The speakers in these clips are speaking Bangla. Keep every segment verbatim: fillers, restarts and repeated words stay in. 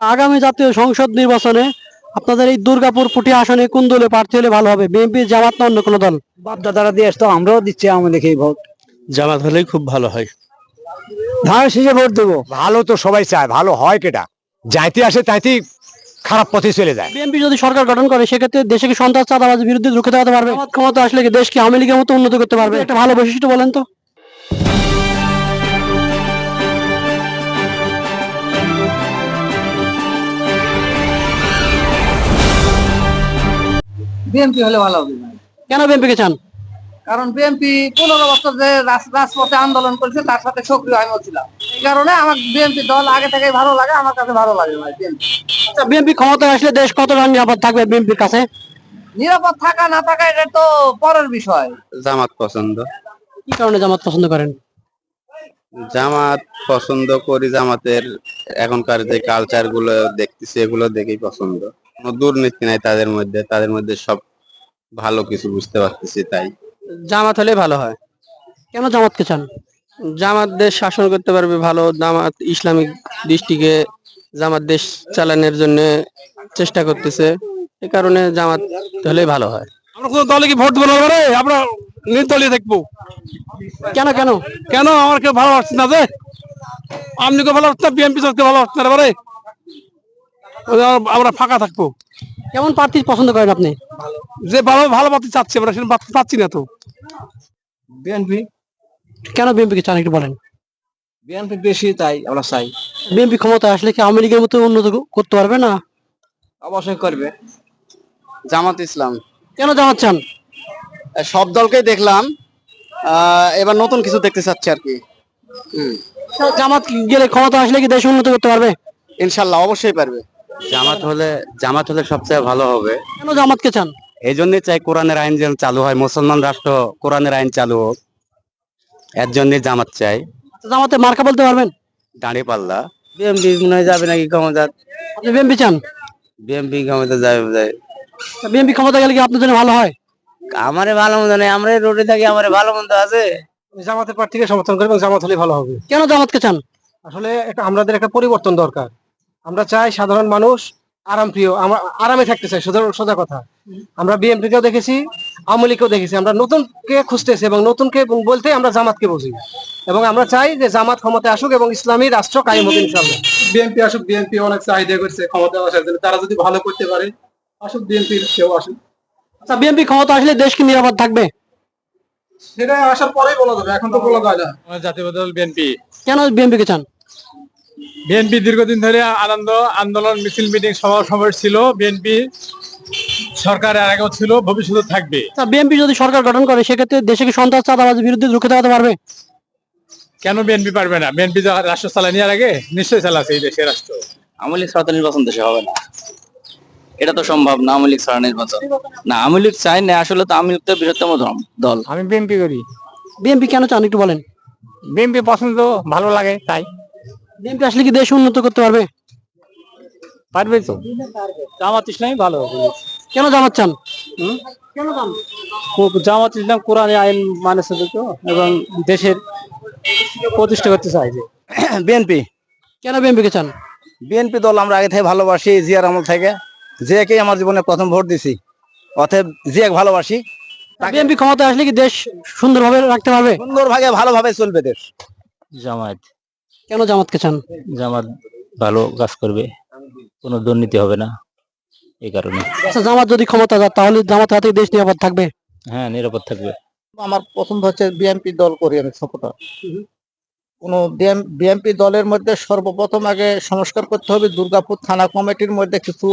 আগামী জাতীয় সংসদ নির্বাচনে আপনাদের এই দুর্গাপুর পুঠিয়া আসনে কোন দলে প্রার্থী হলে ভালো হবে, বিএনপি, জামাত না অন্য কোনো দল? বাপ দাদারা দিয়ে আসতো, আমরাও দিচ্ছি, আমি দেখি ভোট জামাত হলেই খুব ভালো হয়। ধানের শীষে ভোট দেবো। ভালো তো সবাই চায়, ভালো হয় কেটা যাইতে আসে তাইতেই খারাপ পথে চলে যায়। বিএনপি যদি সরকার গঠন করে সেক্ষেত্রে দেশে কি সন্ত্রাস চাঁদাবাজির বিরুদ্ধে রুখে দাঁড়াতে পারবে? জামাত ক্ষমতা আসলে কি দেশকে আওয়ামী লীগের মতো উন্নত করতে পারবে? একটা ভালো বৈশিষ্ট্য বলেন তো। বিএনপি হলে ভালো হবে। কেন বিএনপি কে চান? কারণ বিএনপি পনেরো বছর যে রাজ- রাজপথে আন্দোলন করেছে তার সাথে সক্রিয় আমি ছিলাম। এই কারণে আমার বিএনপি দল আগে থেকে ভালো লাগে, আমার কাছে ভালো লাগে ভাই বিএনপি। আচ্ছা, বিএনপি ক্ষমতায় আসলে দেশ কতটা নিরাপদ থাকবে বিএনপির কাছে? নিরাপদ থাকা না থাকা এটা তো পরের বিষয়। জামাত পছন্দ। কি কারণে জামাত পছন্দ করেন? জামাত পছন্দ করি, জামাতের এখনকার যে কালচার গুলো দেখতেছি এগুলো দেখেই পছন্দ। কোনো দুর্নীতি নাই তাদের মধ্যে, তাদের মধ্যে সব ভালো কিছু বুঝতে পারতেছি তাই। জামাত হলে ভালো হয়। কেন জামাতকে চান? জামাত দেশ শাসন করতে পারবে ভালো, জামাত ইসলামিক দৃষ্টিকে জামাত দেশ চালানোর জন্য চেষ্টা করতেছে, এই কারণে জামাত হলেই ভালো হয়। আমরা কোনো দলে কি ভোট দেবো না, এবারে আমরা নির্দলীয় দেখবো। কেন কেন কেন আমার কেউ ভালো লাগছে না, যে আপনি কেউ ভালো লাগছে না, বিএনপি কে ভালো লাগছে না, এবারে আমরা ফাঁকা থাকবো। কেমন প্রার্থী পছন্দ করেন আপনি? যে ভালো ভালো পাচ্ছি চাচ্ছি, আমরা সেটা পাচ্ছি- পাচ্ছি না তো। বিএনপি কেন বিএনপি কে চান একটু বলেন। বিএনপি বেশি তাই আমরা চাই। বিএনপি ক্ষমতা আসলে কি আওয়ামী লীগের মতো উন্নত করতে পারবে না? অবশ্যই করবে। জামাত ইসলাম। কেন জামাত চান? সব দলকেই দেখলাম, আহ এবার নতুন কিছু দেখতে চাচ্ছি আর কি। জামাত গেলে ক্ষমতা আসলে কি দেশ উন্নত করতে পারবে? ইনশাল্লাহ অবশ্যই পারবে। জামাত হলে জামাত হলে সবচেয়ে ভালো হবে। কেন জামাতকে চান? এই জন্যই চাই কোরআনের আইন যেন চালু হয়, মুসলমান রাষ্ট্র কোরআনের আইন চালু হোক, এর জন্যই জামাত চাই। জামাতে মার্কা বলতে পারবেন? দাঁড়িয়ে পাল্লা। বিএমপি মনে হয় যাবে নাকি ক্ষমতা। আপনি বিএনপি চান? বিএমপি ক্ষমতা যাবে। বিএনপি ক্ষমতা গেলে কি আপনার জন্য ভালো হয়? আমারে ভালো মন্দ নেই, আমরা রোডে থাকি, আমারে ভালো মন্দ আছে। জামাতের প্রার্থীকে সমর্থন করি এবং জামাত হলে ভালো হবে। কেন জামাতকে চান? আসলে একটা আমাদের একটা পরিবর্তন দরকার। আমরা চাই সাধারণ মানুষ আরাম প্রিয়, আমরা আরামে থাকতে চাই, সোজা সোজা কথা। আমরা বিএনপি কেও দেখেছি, আওয়ামী লীগকেও দেখেছি, আমরা নতুনকে খুঁজতেছি এবং নতুনকে বলতে আমরা জামাতকে বুঝি এবং আমরা চাই যে জামাত ক্ষমতায় আসুক এবং ইসলামী রাষ্ট্র কায়েম হোক ইনশাআল্লাহ। বিএনপি আসুক, বিএনপি অনেক চাহিদা করছে ক্ষমতা আসার জন্য, তারা যদি ভালো করতে পারে আসুক, বিএনপি কেউ আসুক। আচ্ছা, বিএনপি ক্ষমতা আসলে দেশ কি নিরাপদ থাকবে? সেটা আসার পরেই বলা যাবে, এখন তো বলা যায় না। জাতীয় দল বিএনপি। কেন বিএনপি কে চান? বিএনপি দীর্ঘদিন ধরে আনন্দ আন্দোলন মিছিল মিটিং সভা সমাবেশ ছিল। বিএনপি সরকারের আগেও ছিল, ভবিষ্যতে থাকবে। আচ্ছা, বিএনপি যদি সরকার গঠন করে সেক্ষেত্রে দেশে কি সন্ত্রাস চাঁদাবাজির বিরুদ্ধে রুখে দাঁড়াতে পারবে? কেন বিএনপি পারবে না? বিএনপি রাষ্ট্র চালানি আর আগে নিশ্চয়ই চালাচ্ছে এই দেশের রাষ্ট্র। আওয়ামী লীগ ছাড়া তো নির্বাচন দেশে হবে না, এটা তো সম্ভব না। আওয়ামী লীগ ছাড়া নির্বাচন না, আওয়ামী লীগ চাই না, আসলে তো আওয়ামী লীগ তো বৃহত্তম দল। আমি বিএনপি করি। বিএনপি কেন চান একটু বলেন। বিএনপি পছন্দ, ভালো লাগে তাই। বিএনপি আসলে কি দেশ উন্নত করতে পারবে? পারবে তো। জামাত ইসলামই ভালো হবে। কেন জামাত চান? কেন চান? জামাত ইসলাম কোরআনের আইন মানে তো, এবং দেশের প্রতিষ্ঠা করতে চাই। যে বিএনপি। কেন বিএনপি কে চান? বিএনপি দল আমরা আগে থেকে ভালোবাসি, জিয়ার আমল থেকে, জিয়াকেই আমার জীবনে প্রথম ভোট দিছি, অতএব জিয়াকে ভালোবাসি। বিএনপি ক্ষমতায় আসলে কি দেশ সুন্দরভাবে রাখতে পারবে? সুন্দরভাবে ভালোভাবে চলবে দেশ। জামাত। কেন জামাতকে চান? জামাত ভালো কাজ করবে, কোনো দুর্নীতি হবে না, এই কারণে। আচ্ছা, জামাত যদি ক্ষমতা যায় তাহলে জামাতের হাতে দেশ নিরাপদ থাকবে? হ্যাঁ, নিরাপদ থাকবে। আমার পছন্দ হচ্ছে বিএনপি দল করি আমি সাপোর্টার। কোন বিএনপি দলের মধ্যে সর্বপ্রথম আগে সংস্কার করতে হবে। দুর্গাপুর থানা কমিটির মধ্যে কিছু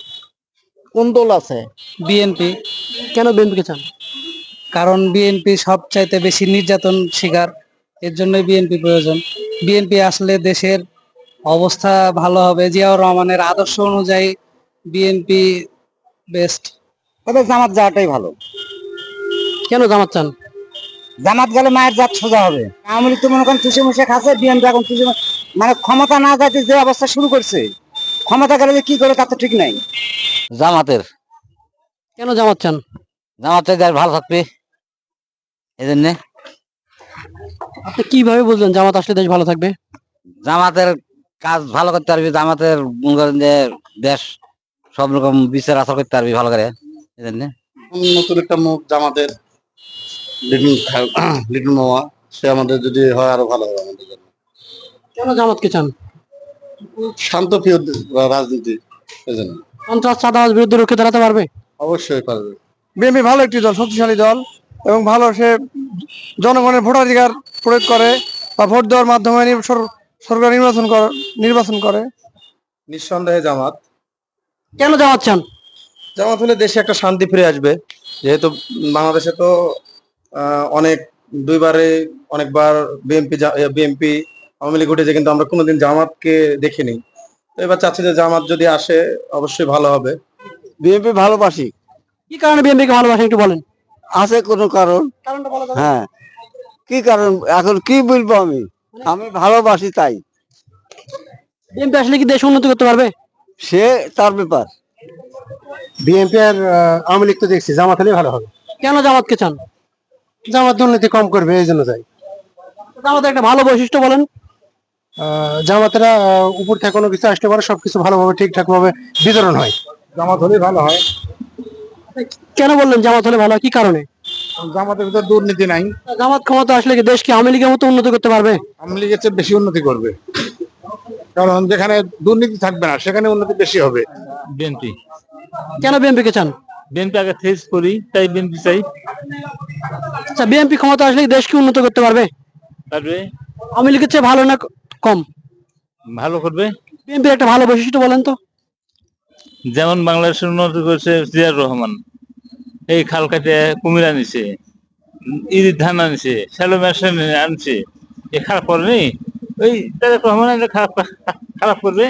কুন্দল আছে। বিএনপি। কেন বিএনপি কে চান? কারণ বিএনপি সবচাইতে বেশি নির্যাতন শিকার, এর জন্য বিএনপি প্রয়োজন। বিএনপি আসলে দেশের অবস্থা ভালো হবে, জিয়াউর রহমানের আদর্শ অনুযায়ী বিএনপি বেস্ট। তবে জামাত যাওয়াটাই ভালো। কেন জামাত চান? জামাত গেলে মায়ের জাত সোজা হবে। আওয়ামী লীগ তো মনে করেন চুষে মুষে খাচ্ছে, বিএনপি এখন চুষে মানে ক্ষমতা না যাইতে যে অবস্থা শুরু করছে, ক্ষমতা গেলে যে কি করে তার তো ঠিক নাই। জামাতের। কেন জামাত চান? জামাতের দেশ ভালো থাকবে, এই জন্য। আপনি কিভাবে বুঝলেন জামাত আসলে দেশ ভালো থাকবে? জামাতের কাজ ভালো করতে পারবি, জামাতের মনে করেন যে দেশ সব রকম বিচার আচার করতে পারবি ভালো করে, এই জন্যে। নতুন একটা মুখ জামাতের লিটন খা- লিটন মামা, সে আমাদের যদি হয় আরো ভালো হবে আমাদের জন্য। কেন জামাতকে চান? শান্তপ্রিয় রাজনীতি, এই জন্য। সন্ত্রাস চাঁদাবাজ বিরুদ্ধে রুখে দাঁড়াতে পারবে? অবশ্যই পারবে। বিএনপি ভালো একটি দল, শক্তিশালী দল, এবং ভালো সে জনগণের ভোটাধিকার প্রয়োগ করে বা ভোট দেওয়ার মাধ্যমে নির- সর- সরকার নির্বাচন করে নির্বাচন করে। নিঃসন্দেহে জামাত। কেন জামাত চান? জামাত হলে দেশে একটা শান্তি ফিরে আসবে, যেহেতু বাংলাদেশে তো আহ, অনেক দুইবারে অনেকবার বিএনপি বিএনপি আওয়ামী লীগ উঠেছে, কিন্তু আমরা কোনোদিন জামাতকে দেখিনি। তো এবার চাচ্ছি যে জামাত যদি আসে অবশ্যই ভালো হবে। বিএনপি ভালোবাসি। কি কারণে বিএনপি কে ভালোবাসেন একটু বলেন। আছে কোনো কারণ? কারণটা বলা যাবে? হ্যাঁ, কি কারণ এখন কি বলবো আমি, আমি ভালোবাসি তাই। বিএনপি আসলে কি দেশ উন্নতি করতে পারবে? সে তার ব্যাপার। বিএনপি আর আহ, আওয়ামী লীগ তো দেখছি, জামাত হলেই ভালো হবে। কেন জামাতকে চান? জামাত দুর্নীতি কম করবে, এই জন্য যাই। জামাতের একটা ভালো বৈশিষ্ট্য বলেন। আহ, জামাতেরা আহ, উপর থেকে কোনো কিছু আসতে পারে, সবকিছু ভালোভাবে ঠিকঠাক ভাবে বিতরণ হয়। জামাত হলেই ভালো হয়। কেন বললেন জামাত হলে ভালো হয়? কি কারণে? জামাতের ভিতর দুর্নীতি নাই, জামাত ক্ষমতা আসলে কি দেশ কি আওয়ামী লীগের মতো উন্নতি করতে পারবে? আওয়ামী লীগের চেয়ে বেশি উন্নতি করবে, কারণ যেখানে দুর্নীতি থাকবে না সেখানে উন্নতি বেশি হবে। বিএনপি কেন বিএনপি কে চান? বিএনপি আগে ফেস করি, তাই বিএনপি চাই। আচ্ছা, বিএনপি ক্ষমতা আসলে কি দেশ কি উন্নত করতে পারবে? তারপরে আওয়ামী লীগের চেয়ে ভালো না কম? ভালো করবে, বিএনপির একটা ভালো বৈশিষ্ট্য বলেন তো। যেমন বাংলাদেশের উন্নতি করেছে জিয়াউর রহমান, এই খাল কাটে কুমির আনিছে, ইরির ধান আনছে, শ্যালো মেশিন আনছে, এ খারাপ করেনি? ওই তারেক রহমান আনলে খারাপ খারাপ করবে।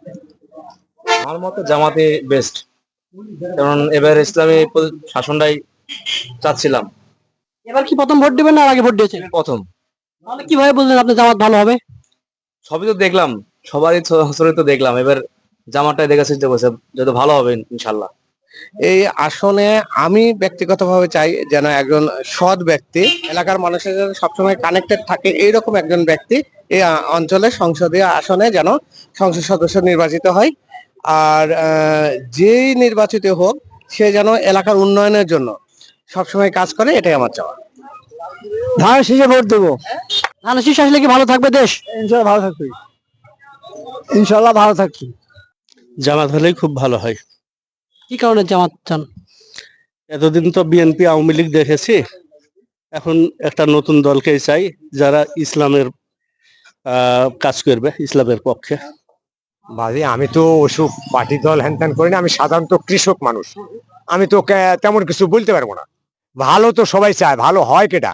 আমার মতে জামাতে বেস্ট, কারণ এবার ইসলামী প- শাসনটাই চাচ্ছিলাম। এবার কি প্রথম ভোট দিবেন না আর আগে ভোট দিয়েছেন? প্রথম তাহলে কিভাবে বললেন আপনি জামাত ভালো হবে? সবই তো দেখলাম, সবারই ছড়ি তো দেখলাম, এবার জামাটাই দেখার চেষ্টা করছে, যত ভালো হবে ইনশাল্লাহ। এই আসনে আমি ব্যক্তিগতভাবে চাই যেন একজন সৎ ব্যক্তি, এলাকার মানুষের যেন সবসময় কানেক্টেড থাকে, এইরকম একজন ব্যক্তি এই আ- অঞ্চলের সংসদীয় আসনে যেন সংসদ সদস্য নির্বাচিত হয়। আর আহ, যেই নির্বাচিত হোক সে যেন এলাকার উন্নয়নের জন্য সবসময় কাজ করে, এটাই আমার চাওয়া। ধান শীষে ভোট দেবো। ধান শীষ আসলে কি ভালো থাকবে দেশ? ইনশাল্লাহ ভালো থাকবে, ইনশাল্লাহ ভালো থাকবে। জামাত হলেই খুব ভালো হয়। কি কারণে জামাত চান? এতদিন তো বিএনপি আওয়ামী লীগ দেখেছি, এখন একটা নতুন দলকেই চাই যারা ইসলামের আহ, কাজ করবে, ইসলামের পক্ষে। বাজে আমি তো ওসব পার্টি দল হ্যান ত্যান করি না, আমি সাধারণত কৃষক মানুষ, আমি তো কে- তেমন কিছু বলতে পারবো না। ভালো তো সবাই চায়, ভালো হয় কেটা,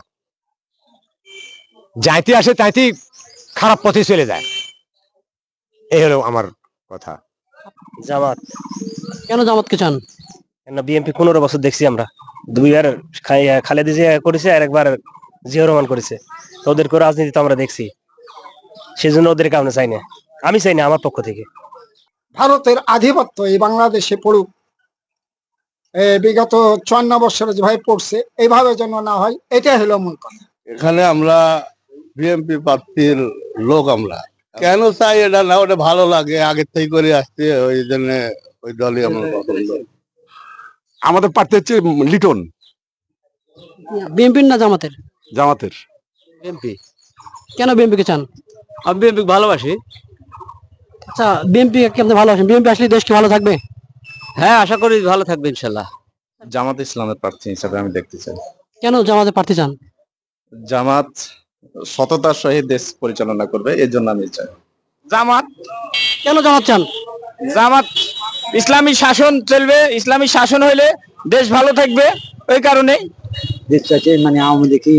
যাইতে আসে তাইতেই খারাপ পথে চলে যায়, এই হলো আমার কথা। জামাত। কেন জামাতকে চান? বিএনপি পনেরো বছর দেখছি আমরা, দুইবার খাই- খালেদা জিয়া করেছে আর একবার জিয়াউর রহমান করেছে, তো ওদের করে রাজনীতি তো আমরা দেখছি, সেজন্য ওদের কারণে চাই না, আমি চাই না আমার পক্ষ থেকে। ভারতের আধিপত্য এই বাংলাদেশে পড়ুক, এ বিগত চুয়ান্ন বছরে যেভাবে পড়ছে এইভাবে যেন না হয়, এটাই হলো মূল কথা। এখানে আমরা বিএনপি প্রার্থীর লোক, আমরা কেন চাই এটা না, ওটা ভালো লাগে, আগের থেকে করে আসছে, ওই জন্য ওই দলই আমার পছন্দ। আমাদের প্রার্থী হচ্ছে লিটন। বিএনপির না জামাতের? জামাতের। বিএনপি। কেন বিএনপি কে চান? আমি বিএনপি ভালোবাসি। আচ্ছা, বিএনপি কি আপনি ভালোবাসেন? বিএনপি আসলে দেশ কি ভালো থাকবে? হ্যাঁ, আশা করি ভালো থাকবে ইনশাল্লাহ। জামাত ইসলামের প্রার্থী হিসাবে আমি দেখতে চাই। কেন জামাতে প্রার্থী চান? জামাত সততার সহিত দেশ পরিচালনা করবে, এর জন্য আমি চাই। জামাত কেন জামাত চান? জামাত ইসলামী শাসন চলবে, ইসলামী শাসন হইলে দেশ ভালো থাকবে, ওই কারণে। দেশ চাইছে মানে আওয়ামী লীগই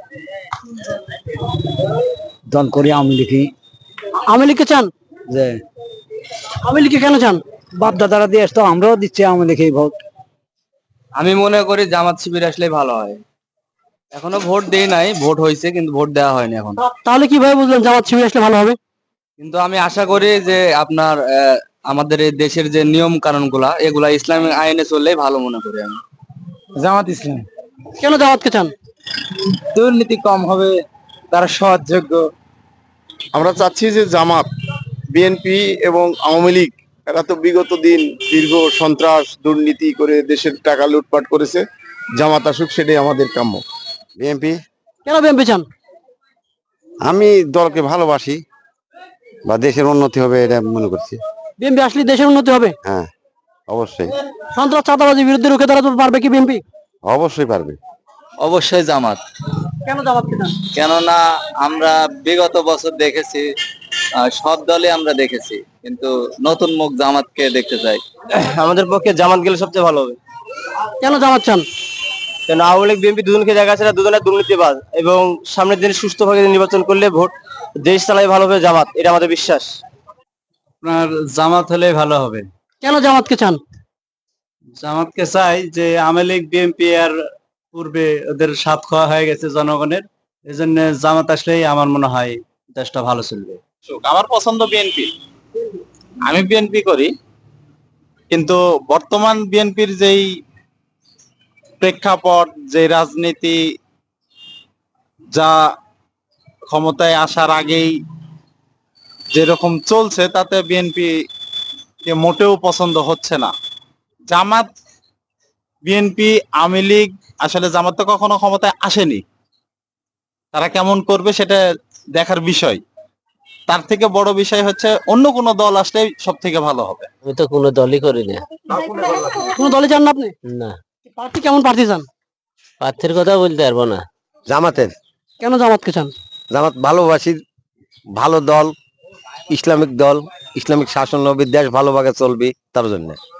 দল করি, আওয়ামী লীগই আওয়ামী লীগকে চান? যে আওয়ামী লীগকে কেন চান? বাপ দাদারা দিয়ে আসতো, আমরাও দিচ্ছি আওয়ামী লীগই ভোট। আমি মনে করি জামাত শিবির আসলে ভালো হয়। এখনো ভোট দেই নাই, ভোট হয়েছে কিন্তু ভোট দেওয়া হয়নি এখন। তাহলে কিভাবে বুঝলেন জামাত শিবির আসলে ভালো হবে? কিন্তু আমি আশা করি যে আপনার আহ, আমাদের এই দেশের যে নিয়ম কানুন গুলা, এগুলা ইসলামিক আইনে চললে ভালো মনে করি আমি। জামাত ইসলাম। কেন জামাতকে চান? দুর্নীতি কম হবে, তারা সৎযোগ্য। আমরা চাচ্ছি যে জামাত বিএনপি এবং আওয়ামী লীগ এরা তো বিগত দিন দীর্ঘ সন্ত্রাস দুর্নীতি করে দেশের টাকা লুটপাট করেছে। জামাত আসুক, সেটাই আমাদের কাম্য। বিএনপি কেন বিএনপি চান? আমি দলকে ভালোবাসি, বা দেশের উন্নতি হবে এটা মনে করছি। বিএনপি আসলে দেশের উন্নতি হবে। হ্যাঁ, অবশ্যই সন্ত্রাস চাঁদাবাজির বিরুদ্ধে রুখে দাঁড়াতে পারবে কি বিএনপি? অবশ্যই পারবে। অবশ্যই জামাত। কেন জামাতকে চান? কেননা আমরা বিগত বছর দেখেছি, আহ, সব দলে আমরা দেখেছি, কিন্তু নতুন মুখ জামাতকে দেখতে চাই। আমাদের পক্ষে জামাত গেলে সবচেয়ে ভালো হবে। কেন জামাত চান? কেন আওয়ামী লীগ বিএনপি দুজনকে দেখা আছে, দুজনের দুর্নীতিবাজ, এবং সামনের দিনে সুষ্ঠুভাবে নির্বাচন করলে ভোট দেশ চালাই ভালো হবে জামাত, এটা আমাদের বিশ্বাস। আপনার জামাত হলে ভালো হবে। কেন জামাতকে চান? জামাতকে চাই যে আওয়ামী লীগ বিএনপি আর পূর্বে ওদের সাথ খাওয়া হয়ে গেছে জনগণের, এই জন্য জামাত আসলেই আমার মনে হয় দেশটা ভালো চলবে। আমার পছন্দ বিএনপি, আমি বিএনপি করি, কিন্তু বর্তমান বিএনপির যেই প্রেক্ষাপট, যে রাজনীতি, যা ক্ষমতায় আসার আগেই যেরকম চলছে, তাতে বিএনপি কে মোটেও পছন্দ হচ্ছে না। জামাত, বিএনপি, আওয়ামী লীগ, আসলে জামাত তো কখনো ক্ষমতায় আসেনি, তারা কেমন করবে সেটা দেখার বিষয়। তার থেকে বড় বিষয় হচ্ছে অন্য কোনো দল আসলে সব থেকে ভালো হবে। আমি তো কোনো দলই করি না। কোনো দলে চান না আপনি? না। প্রার্থী কেমন প্রার্থী চান? প্রার্থীর কথা বলতে পারবো না। জামাতের। কেন জামাতকে চান? জামাত ভালোবাসি, ভালো দল, ইসলামিক দল, ইসলামিক শাসন হবে, দেশ ভালোভাবে চলবে, তার জন্য।